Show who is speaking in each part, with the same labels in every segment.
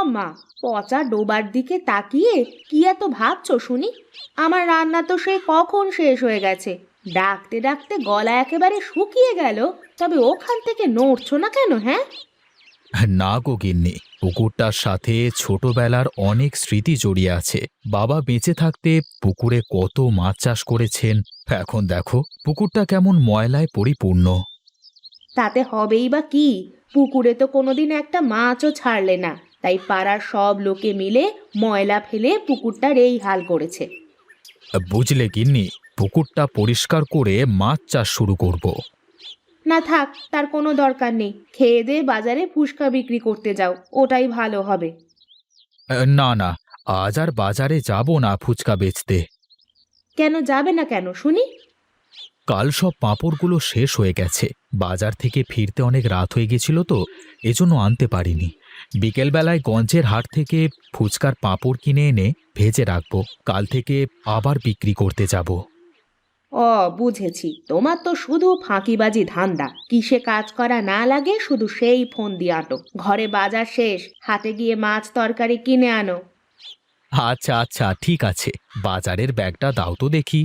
Speaker 1: মা, পচা ডোবার দিকে তাকিয়ে কি এত ভাবছো শুনি? আমার রান্না তো সে কখন শেষ হয়ে গেছে। ডাকতে ডাকতে গলা একেবারে শুকিয়ে গেল, তবে ওখান থেকে নড়ছো না কেন? হ্যাঁ,
Speaker 2: না গো গিন্নি, পুকুরটার সাথে ছোটবেলার অনেক স্মৃতি জড়িয়ে আছে। বাবা বেঁচে থাকতে পুকুরে কত মাছ চাষ করেছেন। এখন দেখো পুকুরটা কেমন ময়লায় পরিপূর্ণ।
Speaker 1: তাতে হবেই বা কি? পুকুরে তো কোনোদিন একটা মাছও ছাড়লে না, তাই পাড়ার সব লোকে মিলে ময়লা ফেলে পুকুরটার এই হাল করেছে।
Speaker 2: বুঝলে গিন্নি, পুকুরটা পরিষ্কার করে মাছ চাষ শুরু করব।
Speaker 1: না থাক, তার কোনো দরকার নেই। খেয়ে দে বাজারে ফুচকা বিক্রি করতে যাও, ওটাই ভালো হবে।
Speaker 2: না না, আজ আর বাজারে যাব না ফুচকা বেচতে।
Speaker 1: কেন যাবে না কেন শুনি?
Speaker 2: কাল সব পাঁপড়গুলো শেষ হয়ে গেছে। বাজার থেকে ফিরতে অনেক রাত হয়ে গেছিল তো, এজন্য আনতে পারিনি। বিকেলবেলায় গঞ্জের হাট থেকে ফুচকার পাঁপড় কিনে এনে ভেজে রাখবো, কাল থেকে আবার বিক্রি করতে যাব।
Speaker 1: ও, বুঝেছি, তোমার তো শুধু ফাঁকিবাজি ধান্দা। কিসে কাজ করা না লাগে শুধু সেই ফোন দিয়ে আটো। ঘরে বাজার শেষ, হাটে গিয়ে মাছ তরকারি কিনে আনো।
Speaker 2: আচ্ছা আচ্ছা, ঠিক আছে, বাজারের ব্যাগটা দাও তো দেখি।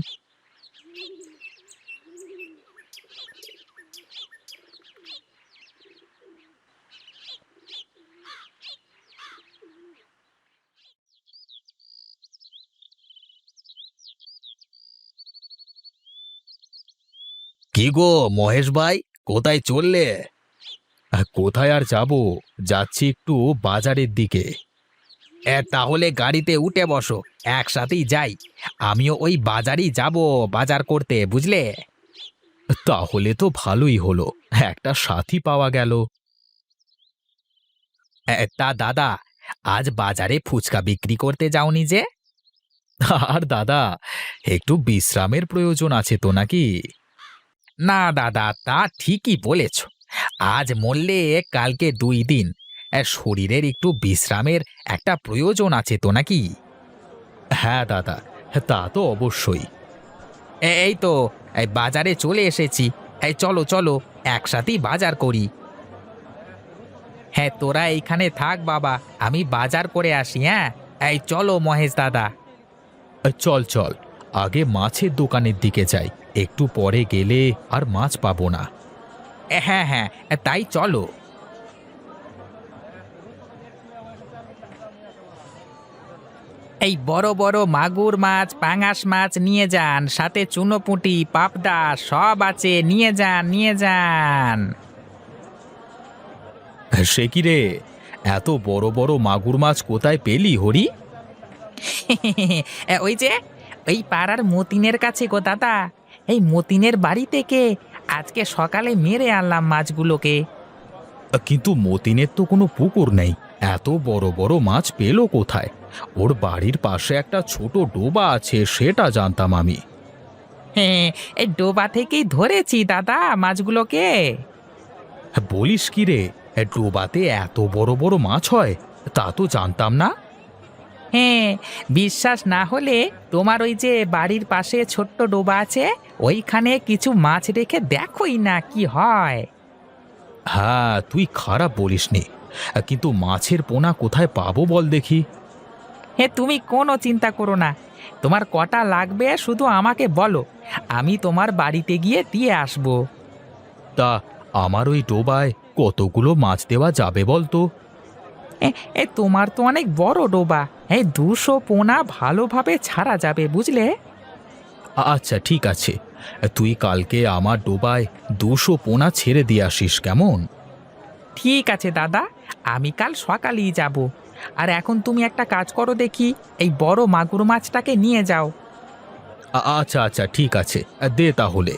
Speaker 2: কি গো মহেশ ভাই, কোথায় চললে? কোথায় আর যাব, যাচ্ছি একটু বাজারের দিকে। তাহলে গাড়িতে উঠে বসো, একসাথেই যাই। আমিও ওই বাজারই যাব, বাজার করতে, বুঝলে? তাহলে তো ভালোই হলো, একটা সাথী পাওয়া গেল। তা দাদা, আজ বাজারে ফুচকা বিক্রি করতে যাওনি যে? আর দাদা, একটু বিশ্রামের প্রয়োজন আছে তো নাকি? না দাদা, তা ঠিকই বলেছ। আজ মরলে কালকে 2 দিন, শরীরের একটু বিশ্রামের একটা প্রয়োজন আছে তো নাকি? হ্যাঁ দাদা, তা তো অবশ্যই। এই তো, এই বাজারে চলে এসেছি। এই চলো চলো, একসাথেই বাজার করি। হ্যাঁ, তোরা এইখানে থাক বাবা, আমি বাজার করে আসি। হ্যাঁ, এই চলো মহেশ দাদা। চল চল, আগে মাছের দোকানের দিকে যাই, একটু পরে গেলে আর মাছ পাবো না। হ্যাঁ হ্যাঁ, তাই চলো। এই বড় বড় মাগুর মাছ, পাঙাশ মাছ নিয়ে যান, সাথে চুনোপুঁটি, পাবদা সব আছে, নিয়ে যান নিয়ে যান। সে কি রে, এত বড় বড় মাগুর মাছ কোথায় পেলি হরি? ওই যে, ওই পাড়ার মতিনের কাছে গো দাদা। এই মতিনের বাড়ি থেকে আজকে সকালে মেরে আনলাম মাছগুলোকে। কিন্তু মতিনের তো কোনো পুকুর নেই, এত বড় বড় মাছ পেলো কোথায়? ওর বাড়ির পাশে একটা ছোট ডোবা আছে, সেটা জানতাম আমি। হ্যাঁ, এই ডোবা থেকেই ধরেছি দাদা মাছগুলোকে। বলিস কি রে, ডোবাতে এত বড় বড় মাছ হয়? তা তো জানতাম না। হ্যাঁ, বিশ্বাস না হলে তোমার ওই যে বাড়ির পাশে ছোট্ট ডোবা আছে, ওইখানে কিছু মাছ রেখে দেখোই না কি হয়। হ্যাঁ, তুই খারাপ বলিসনি, কিন্তু মাছের পোনা কোথায় পাবো বল দেখি? হে, তুমি কোনো চিন্তা করো না, তোমার কটা লাগবে শুধু আমাকে বলো, আমি তোমার বাড়িতে গিয়ে দিয়ে আসবো। তা আমার ওই ডোবায় কতগুলো মাছ দেওয়া যাবে বলতো? তোমার তো অনেক বড় ডোবা, 200 পোনা ভালোভাবে ছাড়া যাবে, বুঝলে? আচ্ছা ঠিক আছে, তুই কালকে আমার ডোবায় 200 পোনা ছেড়ে দিয়ে আসিস, কেমন? ঠিক আছে দাদা, আমি কাল সকালেই যাব। আর এখন তুমি একটা কাজ করো দেখি, এই বড় মাগুর মাছটাকে নিয়ে যাও। আচ্ছা আচ্ছা ঠিক আছে, দে তাহলে।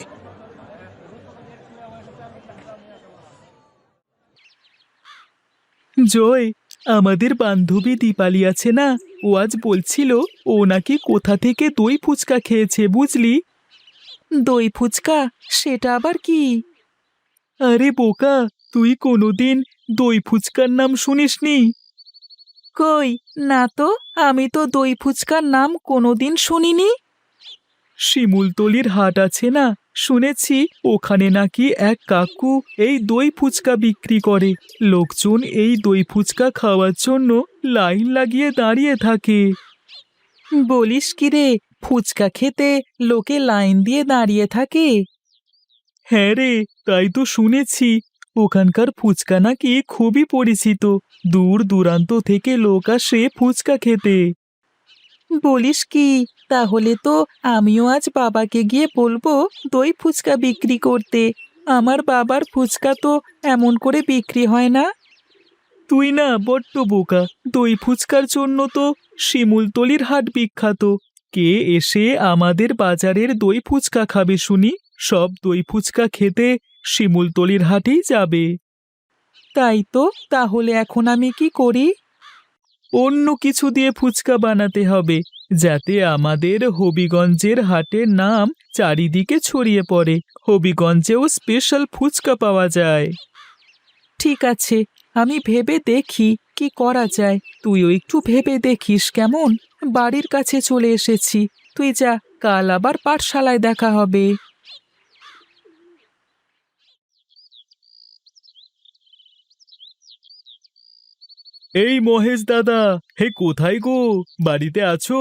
Speaker 3: জয়, আমাদের বান্ধবী দীপালি আছে না, ও আজ বলছিল ও নাকি কোথা থেকে দই ফুচকা খেয়েছে, বুঝলি? দই ফুচকা? সেটা আবার কি? আরে বোকা, তুই কোনোদিন দই ফুচকার নাম শুনিসনি? কই, না তো, আমি তো দই ফুচকার নাম কোনোদিন শুনিনি। শিমুলতলির হাট আছে না, শুনেছি ওখানে নাকি এক কাকু এই দই ফুচকা বিক্রি করে। লোকজন এই দই ফুচকা খাওয়ার জন্য লাইন লাগিয়ে দাঁড়িয়ে থাকে। বলিস কি রে, ফুচকা খেতে লোকে লাইন দিয়ে দাঁড়িয়ে থাকে? হ্যাঁ রে, তাই তো শুনেছি। ওখানকার ফুচকা নাকি খুবই পরিচিত, দূর দূরান্ত থেকে লোক আসে ফুচকা খেতে। বলিস কি, তাহলে তো আমিও আজ বাবাকে গিয়ে বলবো দই ফুচকা বিক্রি করতে। আমার বাবার ফুচকা তো এমন করে বিক্রি হয় না। তুই না বড্ড বোকা, দই ফুচকার জন্য তো শিমুলতলির হাট বিখ্যাত। কে এসে আমাদের বাজারের দই ফুচকা খাবে শুনি? সব দই ফুচকা খেতে শিমুলতলির হাটেই যাবে। তাই তো, তাহলে এখন আমি কি করি? অন্য কিছু দিয়ে ফুচকা বানাতে হবে, যাতে আমাদের হবিগঞ্জের হাটের নাম চারিদিকে ছড়িয়ে পড়ে। হবিগঞ্জেও স্পেশাল ফুচকা পাওয়া যায়। ঠিক আছে, আমি ভেবে দেখি কি করা যায়। তুইও একটু ভেবে দেখিস কেমন? বাড়ির কাছে চলে এসেছি, তুই যা, কাল আবার পাঠশালায় দেখা হবে। এই মহেশ দাদা, হে কোথায় গো? বাড়িতে আছো?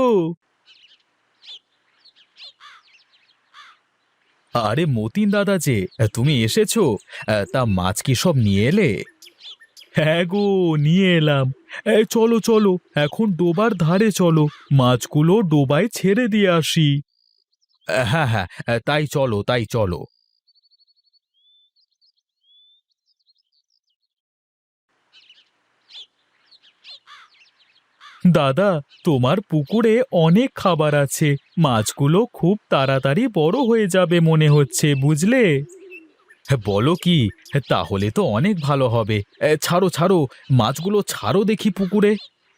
Speaker 3: আরে মতিন দাদা যে, তুমি এসেছো? তা মাছ কি সব নিয়ে এলে? হ্যাঁ গো, নিয়ে এলাম। চলো চলো, এখন ডোবার ধারে চলো, মাছগুলো ডোবায় ছেড়ে দিয়ে আসি। হ্যাঁ হ্যাঁ, তাই চলো তাই চলো। দাদা, তোমার পুকুরে অনেক খাবার আছে, মাছগুলো খুব তাড়াতাড়ি বড় হয়ে যাবে মনে হচ্ছে, বুঝলে? বলো কি? তাহলে তো অনেক ভালো হবে। ছাড়ো ছাড়ো, মাছগুলো ছাড়ো দেখি পুকুরে।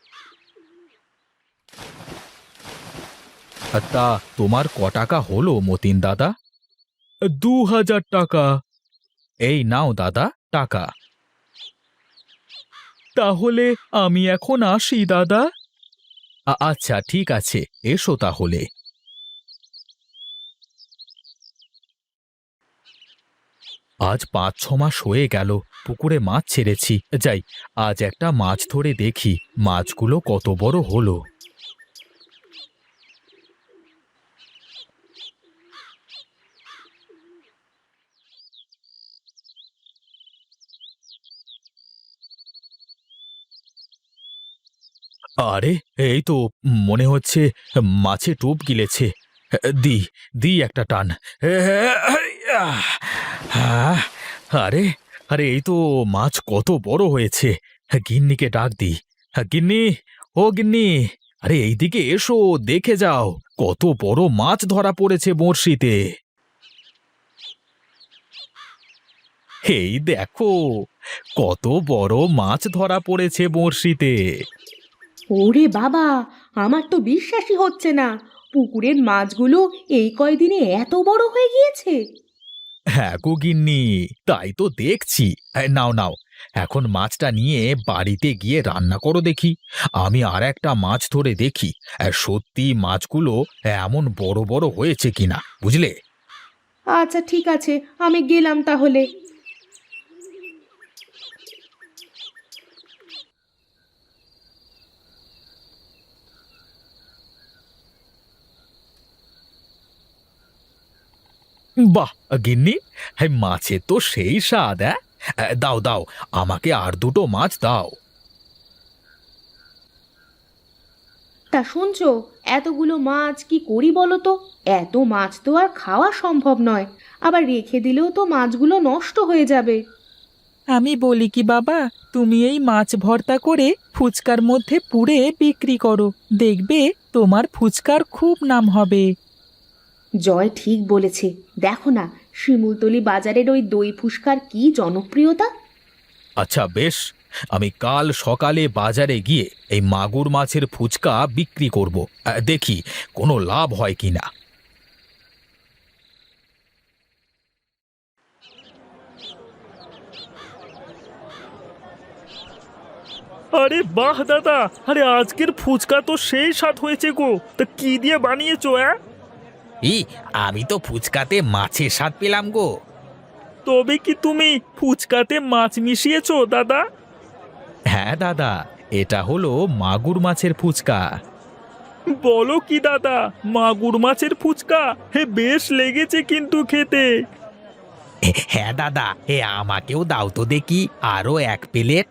Speaker 3: তা তোমার ক টাকা হলো মতিন দাদা? 2000 টাকা। এই নাও দাদা টাকা। তাহলে আমি এখন আসি দাদা। আচ্ছা ঠিক আছে, এসো তাহলে। আজ 5-6 মাস হয়ে গেল পুকুরে মাছ ছেড়েছি। যাই, আজ একটা মাছ ধরে দেখি মাছগুলো কত বড় হলো। আরে, এই তো মনে হচ্ছে মাছে টোপ গিলেছে। দি দি একটা টান। আহ, আরে আরে, এই তো মাছ কত বড় হয়েছে। গিন্নিকে ডাক দি। গিন্নি, ও গিন্নি, আরে এইদিকে এসো, দেখে যাও কত বড় মাছ ধরা পড়েছে বড়শিতে। এই দেখো কত বড় মাছ ধরা পড়েছে বড়শিতে।
Speaker 1: ওরে বাবা, আমার তো বিশ্বাসই হচ্ছে না, পুকুরের মাছগুলো এই কয়দিনে এত বড় হয়ে গিয়েছে।
Speaker 3: হ্যাঁ গো গিন্নি, তাই তো দেখছি। নাও নাও, এখন মাছটা নিয়ে বাড়িতে গিয়ে রান্না করো দেখি। আমি আর একটা মাছ ধরে দেখি সত্যি মাছগুলো এমন বড় বড় হয়েছে কিনা, বুঝলে?
Speaker 1: আচ্ছা ঠিক আছে, আমি গেলাম তাহলে।
Speaker 3: বাহ গিন্নি, হ্যাঁ মাছের তো সেই স্বাদ। দাও দাও, আমাকে আর দুটো মাছ দাও।
Speaker 1: তা শুনছো, এতগুলো মাছ কি করি বলো তো? এত মাছ তো আর খাওয়া সম্ভব নয়, আবার রেখে দিলেও তো মাছগুলো নষ্ট হয়ে যাবে।
Speaker 3: আমি বলি কি বাবা, তুমি এই মাছ ভর্তা করে ফুচকার মধ্যে পুরে বিক্রি করো, দেখবে তোমার ফুচকার খুব নাম হবে।
Speaker 1: জয় ঠিক বলেছে, দেখো না শিমুলতলি বাজারের ওই দই ফুসকার কি জনপ্রিয়তা।
Speaker 3: আচ্ছা বেশ, আমি কাল সকালে বাজারে গিয়ে এই মাগুর মাছের ফুচকা বিক্রি করব। দেখি কোনো লাভ হয় কিনা।
Speaker 4: আরে বাহ দাদা, আরে আজকের ফুচকা তো সেই স্বাদ হয়েছে গো। তা কি দিয়ে বানিয়েছো?
Speaker 2: আমি তো ফুচকাতে মাছের স্বাদ পেলাম গো।
Speaker 4: তবে কি তুমি ফুচকাতে মাছ মিশিয়েছো দাদা?
Speaker 3: হ্যাঁ দাদা, এটা হলো মাগুর মাছের ফুচকা।
Speaker 4: বলো কি দাদা, মাগুর মাছের ফুচকা? হে, বেশ লেগেছে কিন্তু খেতে।
Speaker 2: হ্যাঁ দাদা, আমাকেও দাও তো দেখি আরো 1 প্লেট।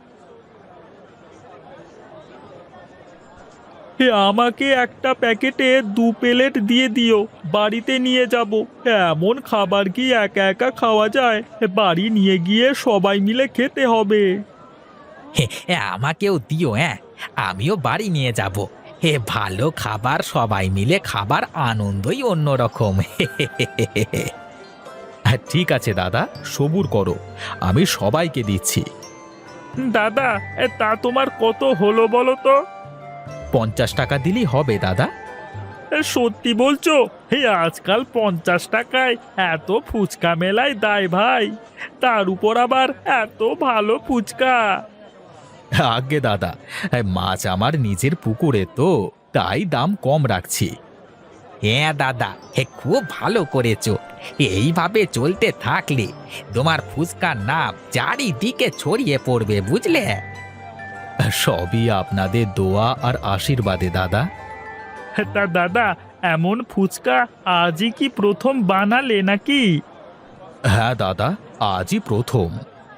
Speaker 4: হে, আমাকে একটা প্যাকেটে 2 প্লেট দিয়ে দিও, বাড়িতে নিয়ে যাব। এমন খাবার কি একা একা খাওয়া যায়? বাড়ি নিয়ে গিয়ে সবাই মিলে খেতে হবে।
Speaker 2: আমাকেও দিও, আমিও বাড়ি নিয়ে যাব। ভালো খাবার সবাই মিলে খাবার আনন্দই অন্যরকম।
Speaker 3: ঠিক আছে দাদা, সবুর করো, আমি সবাইকে দিচ্ছি।
Speaker 4: দাদা, তা তোমার কত হলো বলো তো?
Speaker 3: 50 টাকা দিলেই হবে দাদা।
Speaker 4: সত্যি বলছো? হে, আজকাল 50 টাকায় এত ফুচকা মেলায় দায় ভাই, তার উপর আবার এত ভালো ফুচকা।
Speaker 3: আগে দাদা, মাছ আমার নিজের পুকুরে তো, তাই দাম কম রাখছি।
Speaker 2: হ্যাঁ দাদা, খুব ভালো করেছো। এইভাবে চলতে থাকলে তোমার ফুচকার নাম চারিদিকে ছড়িয়ে পড়বে, বুঝলে?
Speaker 3: সবই আপনাদের দোয়া আর আশীর্বাদে দাদা।
Speaker 4: তা দাদা, এমন ফুচকা আজই কি প্রথম বানালে নাকি?
Speaker 3: হ্যাঁ দাদা, আজই প্রথম।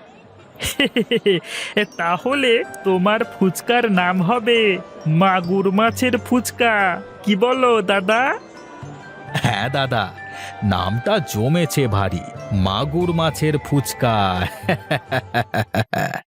Speaker 4: তাহলে তোমার ফুচকার নাম হবে মাগুর মাছের ফুচকা। কি বলো দাদা?
Speaker 3: হ্যাঁ দাদা, নামটা জমেছে ভারী, মাগুর মাছের ফুচকা।